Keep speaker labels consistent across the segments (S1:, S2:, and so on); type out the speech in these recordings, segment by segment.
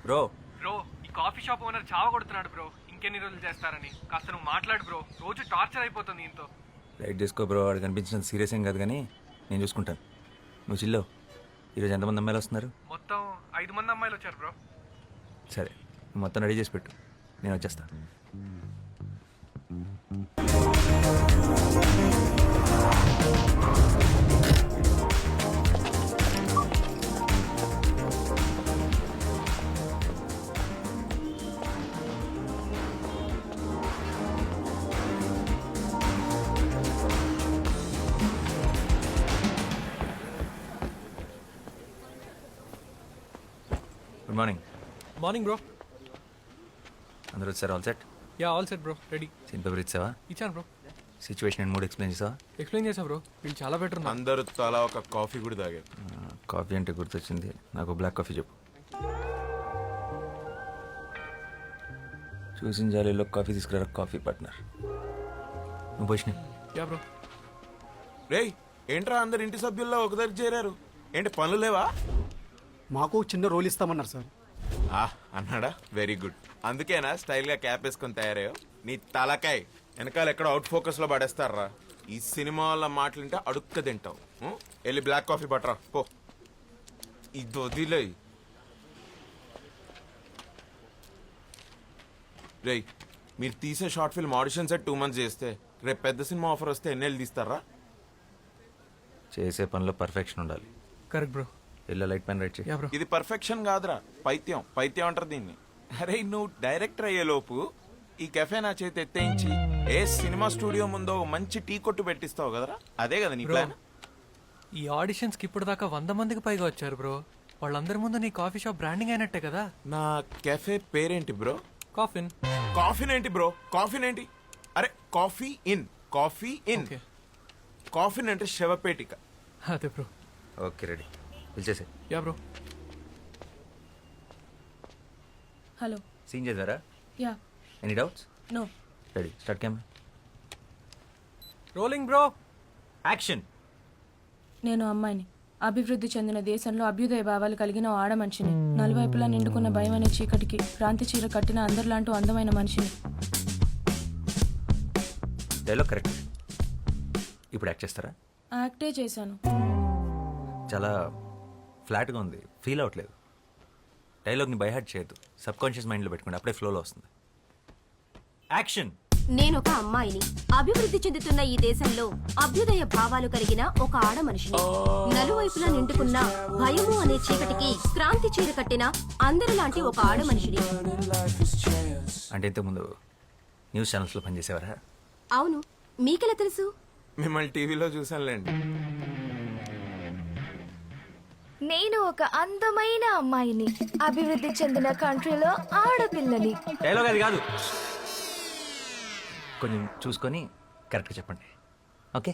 S1: Bro
S2: bro ఈ coffee shop owner చావ కొడుతున్నాడు బ్రో. ఇంకెన్ని రోజులు చేస్తారని కాస్త నువ్వు మాట్లాడు బ్రో. రోజు టార్చర్ అయిపోతుంది ఇంతో.
S1: లైట్ చేసుకో బ్రో. వాడు కనిపించినంత సీరియస్ ఏం కాదు కానీ నేను చూసుకుంటాను. నువ్వు చిల్లో. ఈరోజు ఎంతమంది అమ్మాయిలు వస్తున్నారు?
S2: మొత్తం 5 మంది అమ్మాయిలు వచ్చారు బ్రో.
S1: సరే, నువ్వు మొత్తం రెడీ చేసి పెట్టు, నేను వచ్చేస్తాను. Good morning.
S2: Morning bro.
S1: అందరూ వచ్చారు? All set?
S2: Yeah all set bro, ready.
S1: Scene paper ఇచ్చావా?
S2: ఇచ్చాను bro.
S1: Situation and mood explain చేసావా?
S2: ఎక్స్ప్లెయిన్ చేసా బ్రో. వీళ్ళు చాలా బెటర్ ఉన్నారు.
S3: అందరూ తలా ఒక కాఫీ కూడా తాగారు.
S1: కాఫీ అంటే గుర్తొచ్చింది, నాకు బ్లాక్ కాఫీ చెప్పు. చూసిన జాలీలో కాఫీ తీసుకురా కాఫీ పార్ట్నర్. నువ్వు పోషిన.
S2: Yeah bro.
S3: రేయ్ ఏంట్రా అందరు ఇంటి సభ్యుల్లో ఒక దగ్గర చేరారు? ఏంటి పనులు లేవా?
S4: మాకు చిన్న రోల్ ఇస్తామన్నారు సార్.
S3: అన్నాడా? Very good. అందుకేనా స్టైల్ గా క్యాప్ వేసుకొని తయారయ్యో? నీ తలకాయ్ వెనకాల ఎక్కడ అవుట్ ఫోకస్ లో పడేస్తారా? ఈ సినిమా వాళ్ళ మాటలుంటే అడుక్క తింటావు. వెళ్ళి బ్లాక్ కాఫీ పట్టరా పో. ఇది వదిలే. రేయ్ మీరు తీసే short film audition set 2 months చేస్తే రేపు పెద్ద సినిమా ఆఫర్ వస్తే ఎన్నేళ్ళు తీస్తారా?
S1: చేసే పనిలో పర్ఫెక్షన్ ఉండాలి.
S2: Correct bro.
S1: ఇలా లైట్ పెన్ రైట్ చేయి.
S2: Ya bro.
S3: ఇది పర్ఫెక్షన్ కాదురా, పైత్యం. పైత్యం అంటారు దీన్ని. అరే నువ్వు డైరెక్టర్ అయ్యే లోపు ఈ కెఫే నా చేతి ఎత్తేయించి ఏ సినిమా స్టూడియో ముందో మంచి టీ కొట్టు పెట్టిస్తావు కదరా? అదే కదా నీ ప్లాన్?
S2: ఈ ఆడిషన్స్ కి ఇప్పుడు దాకా 100 మందికి పైగా వచ్చారు బ్రో. వాళ్ళందరి ముందు నీ కాఫీ షాప్ బ్రాండింగ్ అయినట్టే కదా.
S3: నా కెఫే పేరేంటి బ్రో?
S2: కాఫిన్.
S3: కాఫీన్ ఏంటి బ్రో? కాఫీన్ ఏంటి? అరే coffee in, coffee in.
S2: Okay.
S3: Coffin అంటే శవపేటిక.
S2: అదే బ్రో.
S1: ఓకే రెడీ, పిలిచేసే.
S2: Ya bro.
S5: హలో.
S1: సీన్ చేద్దారా?
S5: Ya.
S1: Any doubts?
S5: No.
S1: Ready, start camera.
S2: Rolling bro.
S1: Action.
S5: నేను అమ్మాయిని. అభివృద్ధి చెందిన దేశంలో అభ్యుదయ భావాలు కలిగిన ఓ ఆడ మనిషిని. నలువైపులా నిండుకున్న భయం అనే చీకటికి క్రాంతి చీర కట్టిన అందరిలాంటి అందమైన మనిషిని.
S1: Dialogue correct. ఇప్పుడు యాక్ట్ చేస్తారా?
S5: యాక్టే చేశాను.
S1: చాలా ఫ్లాట్గా ఉంది, ఫీల్ అవ్వట్లేదు. డైలాగ్ని బైహార్ట్ చేయొద్దు, సబ్ కాన్షియస్ మైండ్లో పెట్టుకోండి, అప్పుడే ఫ్లోలో వస్తుంది. యాక్షన్.
S6: నేనొక అమ్మాయిని. అభివృద్ధి చెందుతున్న ఈ దేశంలో అభ్యుదయ భావాలు కలిగిన ఒక ఆడ మనిషిని. నలువైపులా నిండుకున్న భయము అనే చీకటికి క్రాంతి చీర కట్టిన అందరిలాంటి ఒక ఆడ మనిషిని.
S1: అంటే ఇంతకుముందు న్యూస్ ఛానల్స్లో పనిచేసేవారా?
S6: అవును, మీకెలా తెలుసు?
S3: మిమ్మల్ని టీవీలో చూసానులేండి.
S7: నేను ఒక అందమైన అమ్మాయిని. అభివృద్ధి చెందిన కంట్రీలో ఆడపిల్లని.
S1: డైలాగ్ అది కాదు, కొంచెం చూసుకొని కరెక్ట్గా చెప్పండి. ఓకే.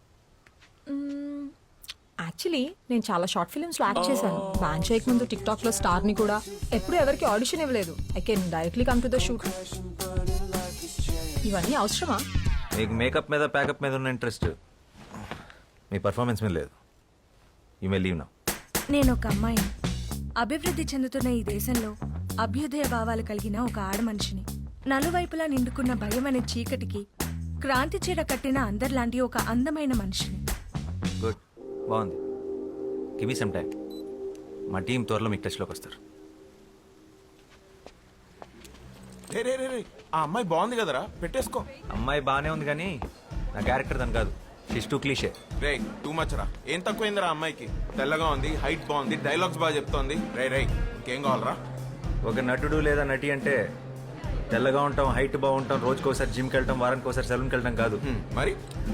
S8: యాక్చువల్లీ నేను చాలా షార్ట్ ఫిల్మ్స్ లో యాక్ట్ చేశాను. బ్యాన్ చేయక ముందు టిక్ టాక్ లో స్టార్ ని కూడా ఎప్పుడు ఎవరికి ఆడిషన్ ఇవ్వలేదు. I can directly come to the shoot. ఇవన్నీ అవసరమా?
S1: మీకు మేకప్ మీద ప్యాకప్ మీద ఉన్న ఇంట్రెస్ట్ మీ పర్ఫార్మెన్స్ మీద లేదు. You may leave now.
S7: నేను ఒక అమ్మాయిని. అభివృద్ధి చెందుతున్న ఈ దేశంలో అభ్యుదయ భావాలు కలిగిన ఒక ఆడ మనిషిని. నలువైపులా నిండుకున్న భయం అనే చీకటికి క్రాంతి చీర కట్టిన అందరిలాంటి ఒక అందమైన మనిషిని.
S1: గుడ్, బాగుంది. Give me some time. మా టీం త్వరలో మీకు టచ్లోకి వస్తారు.
S3: రే రే రే రే, ఆ అమ్మాయి బాగుంది కదరా, పెట్టేసుకో.
S1: అమ్మాయి బాగానే ఉంది కానీ నా క్యారెక్టర్ దాని కాదు. She's too cliche.
S3: రే టూ మచ్ రా. ఏం తక్కువైందిరా అమ్మాయికి? తెల్లగా ఉంది, హైట్ బాగుంది, డైలాగ్స్ బాగా చెప్తోంది. రే రే ఇంకేం కావాలరా?
S1: ఒక నటుడు లేదా నటి అంటే తెల్లగా ఉంటాం, హైట్ బాగుంటాం, రోజుకోసారి జిమ్కి వెళ్ళటం, వారానికి ఒకసారి సెలూన్కి వెళ్ళటం కాదు.
S3: మరి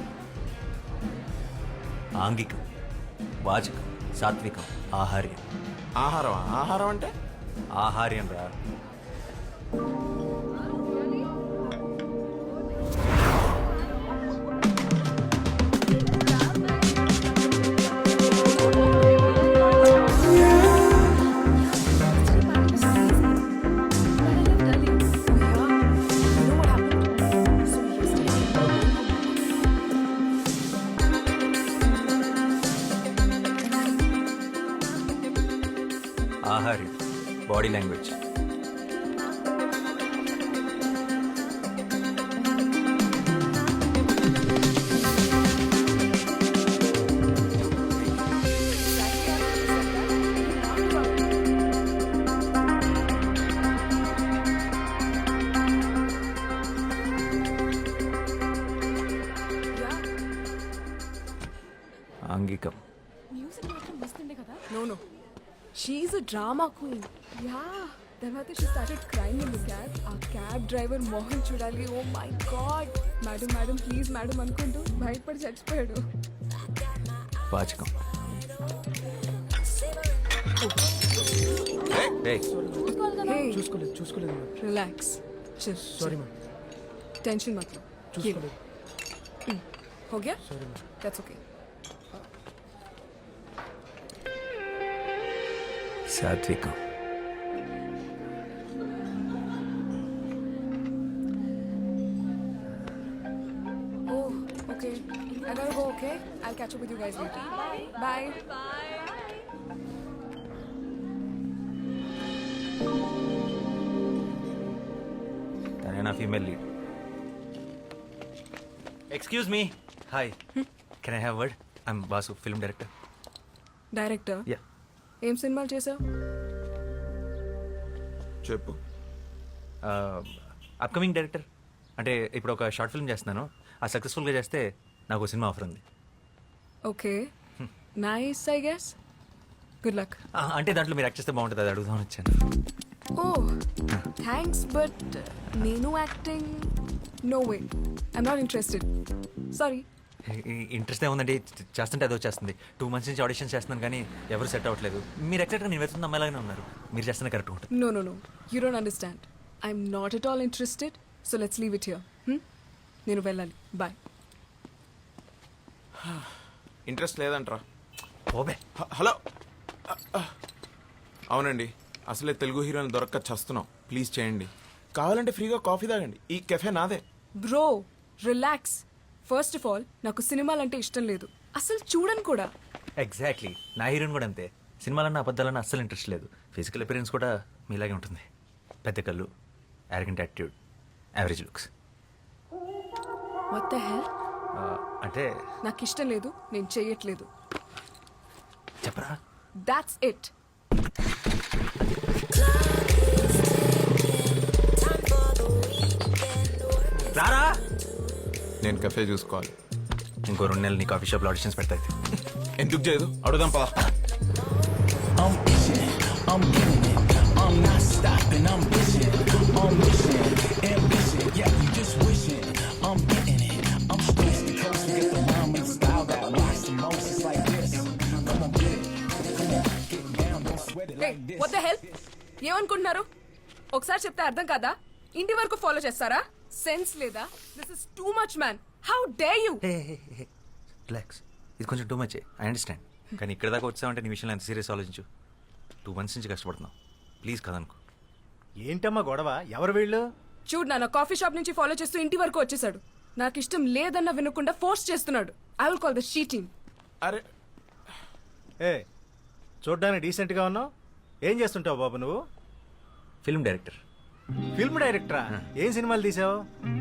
S1: ఆంగికం, వాచకం, సాత్వికం, ఆహార్యం.
S3: ఆహారం? ఆహారం అంటే
S1: ఆహార్యం రా. ఆహార్యం బాడీ లాంగ్వేజ్. ఆంగికం.
S7: No, no. She's a drama queen. Yeah. తర్వాత she started crying in the cab. ఆ క్యాబ్ డ్రైవర్ మోహన్ చూడాలి. Oh my god. Madam madam please madam అనుకుంటూ బయటపడి చచ్చిపోయాడు.
S1: వాచకం. ఏయ్,
S7: Hey,
S4: చూసుకోలేదు
S7: relax. Chill.
S4: Sorry ma'am,
S7: Tension मत लो.
S4: చూసుకోలేదు.
S7: हो गया? That's okay.
S1: సాత్వికం.
S7: Oh, okay. I gotta go, okay? I'll catch up with you guys later. Bye.
S1: తనే నా female lead. Excuse me. Hi, can I have word? I'm Basu, film director.
S7: Director
S1: ya.
S7: ఏం సినిమాలు చేసావు?
S3: చెప్పు.
S1: Upcoming director. అంటే ఇప్పుడు ఒక షార్ట్ ఫిల్మ్ చేస్తున్నాను. ఆ సక్సెస్ఫుల్గా చేస్తే నాకు సినిమా ఆఫర్ ఉంది.
S7: Okay, nice I guess. Good luck.
S1: అంటే దాంట్లో మీరు యాక్ట్ చేస్తే బాగుంటుంది, అది అడుగుదామని వచ్చాను.
S7: ఓ థ్యాంక్స్, బట్ నేను acting no way. I'm not interested, sorry.
S1: Interest ఏముందండి, చేస్తుంటే అదో చేస్తుంది. 2 months నుంచి ఆడిషన్స్ చేస్తున్నాను కానీ ఎవరు సెట్ అవ్వట్లేదు. మీరు ఎగ్జాక్ట్గా నేను వెళ్తున్న అమ్మాయిలాగానే ఉన్నారు. మీరు చేస్తున్న కరెక్ట్ ఉంటుంది.
S7: No no no, you don't understand. I'm not at all interested, so let's leave it here. నేను వెళ్ళాలి, బాయ్.
S3: ఇంట్రెస్ట్ లేదంట్రా.
S1: ఓబే.
S3: హలో. అవునండి, అసలే తెలుగు హీరోని దొరక్క చస్తున్నాం. ప్లీజ్ చేయండి. కావాలంటే ఫ్రీగా కాఫీ తాగండి. ఈ కెఫే నాదే.
S7: Bro relax. First of all నాకు సినిమాలంటే ఇష్టం లేదు, అసలు చూడను కూడా.
S1: ఎగ్జాక్ట్లీ, నా హీరోయిన్ కూడా అంతే. సినిమాలన్నా అబద్ధాలన్నా అస్సలు ఇంట్రెస్ట్ లేదు. ఫిజికల్ అపిరెన్స్ కూడా మీలాగే ఉంటుంది. పెద్ద కళ్ళు, arrogant attitude, average looks.
S7: What the hell?
S1: అంటే
S7: నాకు ఇష్టం లేదు, నేను చెయ్యట్లేదు.
S1: చెప్పరా.
S7: That's it.
S1: రారా.
S3: నేను కెఫే చూసుకోవాలి.
S1: ఇంకో 2 నెలలు నీ కాఫీ షాప్లో ఆడిషన్స్ పెడతాయి.
S3: ఎందుకు చేయదు? అడుగుదాం పదా.
S7: What the hell? ఏమనుకుంటున్నారు? ఒకసారి చెప్తే అర్థం కాదా? ఇంటి వరకు ఫాలో చేస్తారా? సెన్స్ లేదా? This is too much man. How dare you?
S1: Relax, ఇది కొంచెం టూ మచ్. I understand. కానీ ఇక్కడ దాకా వచ్చావంటే నీ విషయంలో ఎంత సీరియస్ ఆలోచించు. 2 months నుంచి కష్టపడుతున్నావు. ప్లీజ్ కదనుకో.
S9: ఏంటమ్మా గొడవ? ఎవరు వీళ్ళు?
S7: చూడు నాన్న, కాఫీ షాప్ నుంచి ఫాలో చేస్తూ ఇంటి వరకు వచ్చేసాడు. నాకు ఇష్టం లేదన్న వినకుండా ఫోర్స్ చేస్తున్నాడు. I will call the she team.
S3: అరే
S9: ఏ, చూడ్డానికి డీసెంట్గా ఉన్నావు. ఏం చేస్తుంటావు బాబు నువ్వు?
S1: Film director.
S9: ఫిల్మ్ డైరెక్టరా? ఏం సినిమాలు తీసావు?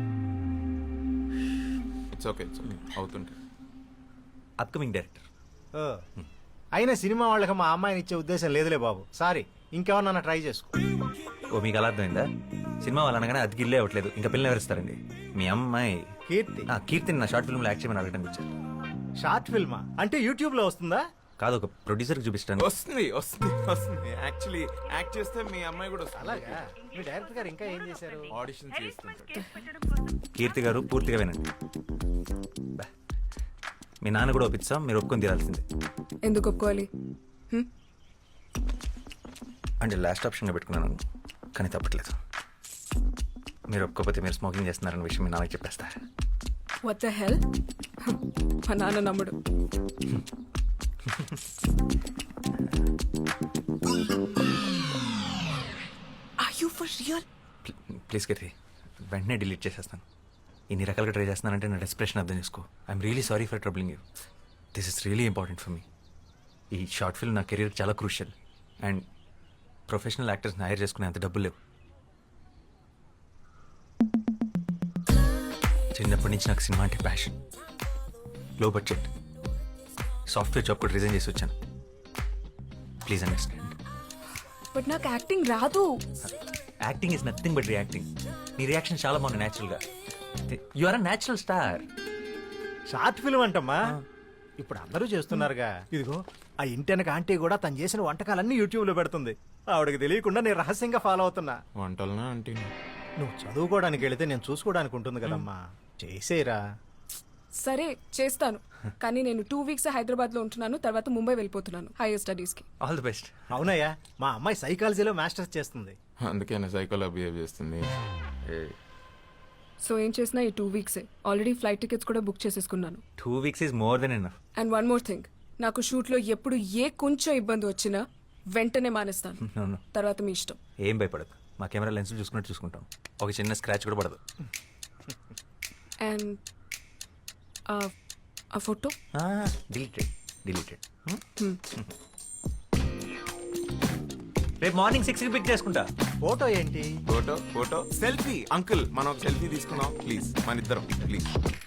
S3: ఇట్స్ ఓకే అవుతుంటే.
S1: Upcoming director.
S9: ఓ, అయినా సినిమా వాళ్ళకి మా అమ్మాయిని ఇచ్చే ఉద్దేశం లేదులే బాబు. సారీ, ఇంకెవరన్నా ట్రై చేసుకో.
S1: ఓ, మీకు అలా అర్థమైందా? సినిమా వాళ్ళు అనగానే అది గిల్లే అవ్వట్లేదు, ఇంకా పిల్లలు ఎవరిస్తారండి? మీ అమ్మాయి
S9: కీర్తి.
S1: కీర్తిని నా షార్ట్ ఫిల్మ్లో యాక్ట్ చేయమని అడగడానికి వచ్చారు.
S9: షార్ట్ ఫిల్మా? అంటే యూట్యూబ్లో వస్తుందా?
S1: కాదు, ఒక ప్రొడ్యూసర్కి చూపిస్తాను.
S3: వస్తుంది వస్తుంది వస్తుంది. యాక్చువల్లీ యాక్ట్ చేస్తే మీ అమ్మాయి కూడా వస్తుంది.
S9: అలాగా? మీ డైరెక్టర్ గారు ఇంకా ఏం చేశారు?
S3: ఆడిషన్ చేస్తుంటారు.
S1: కీర్తి గారు పూర్తిగా వినండి. బా. మీ నాన్న కూడా ఒప్పిస్తాం, మీరు ఒప్పుకొని తీరాల్సిందే.
S7: ఎందుకు ఒప్పుకోవాలి?
S1: అంటే లాస్ట్ ఆప్షన్గా పెట్టుకున్నాను, కానీ తప్పట్లేదు. మీరు ఒప్పుకోకపోతే మీరు స్మోకింగ్ చేస్తున్నారన్న విషయం మీ నాన్నకి చెప్పేస్తా.
S7: What the hell? మా నాన్న నమ్ముడు. Are you for real?
S1: Please Keerthi, వెంటనే డిలీట్ చేసేస్తాను. ఇన్ని రకాలుగా ట్రై చేస్తున్నానంటే నా డెస్ప్రెషన్ అర్థం చేసుకో. I'm really sorry for troubling you. This is really important for me. ఈ షార్ట్ ఫిల్మ్ నా కెరీర్ చాలా క్రూషియల్. అండ్ ప్రొఫెషనల్ యాక్టర్స్ని హైర్ చేసుకునే అంత డబ్బులు లేవు. చిన్నప్పటి నుంచి నాకు సినిమా అంటే passion. Low budget software job కూడా రిజైన్ చేసి వచ్చాను. Please understand.
S7: బట్ నాకు యాక్టింగ్ రాదు.
S1: Acting is nothing but reacting. నీ రియాక్షన్ చాలా బాగుంది న్యాచురల్గా. You are a natural star.
S9: Short film అంటమ్మా, ఇప్పుడు అందరూ చేస్తున్నారుగా. ఇదిగో ఆ ఇంటెనక ఆంటీ కూడా తను చేసిన వంటకాలన్నీ యూట్యూబ్లో పెడుతుంది. ఆవిడకి తెలియకుండా నేను రహస్యంగా ఫాలో అవుతున్నా.
S3: వంటలనా అంటే
S9: నువ్వు చదువుకోవడానికి వెళితే నేను చూసుకోవడానికి ఉంటుంది కదమ్మా. చేసేరా.
S5: సరే చేస్తాను, కానీ నేను 2 weeks హైదరాబాద్ లో ఉంటున్నాను. తర్వాత ముంబై వెళ్ళిపోతున్నాను హైయర్ స్టడీస్ కి.
S1: All the best.
S9: అవునయ్యా, మా అమ్మాయి సైకాలజీలో మాస్టర్స్ చేస్తుంది.
S3: అందుకేనా సైకోలా బిహేవ్ చేస్తుంది.
S5: సో ఏం చేసినా ఈ 2 weeks ఆల్రెడీ ఫ్లైట్ టికెట్స్ కూడా బుక్ చేసేసుకున్నాను.
S1: 2 weeks is more than enough.
S5: And one more thing, నాకు షూట్లో ఎప్పుడు ఏ కొంచెం ఇబ్బంది వచ్చినా వెంటనే మానేస్తాను.
S1: No, no.
S5: తర్వాత మీ ఇష్టం.
S1: ఏం భయపడదు, మా కెమెరా లెన్స్ చూసుకున్నట్టు చూసుకుంటాం. ఒక చిన్న స్క్రాచ్ కూడా పడదు.
S5: అండ్ ఆ ఫోటో
S1: డిలీటెడ్. రేపు మార్నింగ్ 6కి పిక్ చేసుకుంటా.
S9: ఫోటో ఏంటి?
S3: Photo selfie. అంకుల్ మనం ఒక సెల్ఫీ తీసుకున్నాం ప్లీజ్, మన ఇద్దరం ప్లీజ్.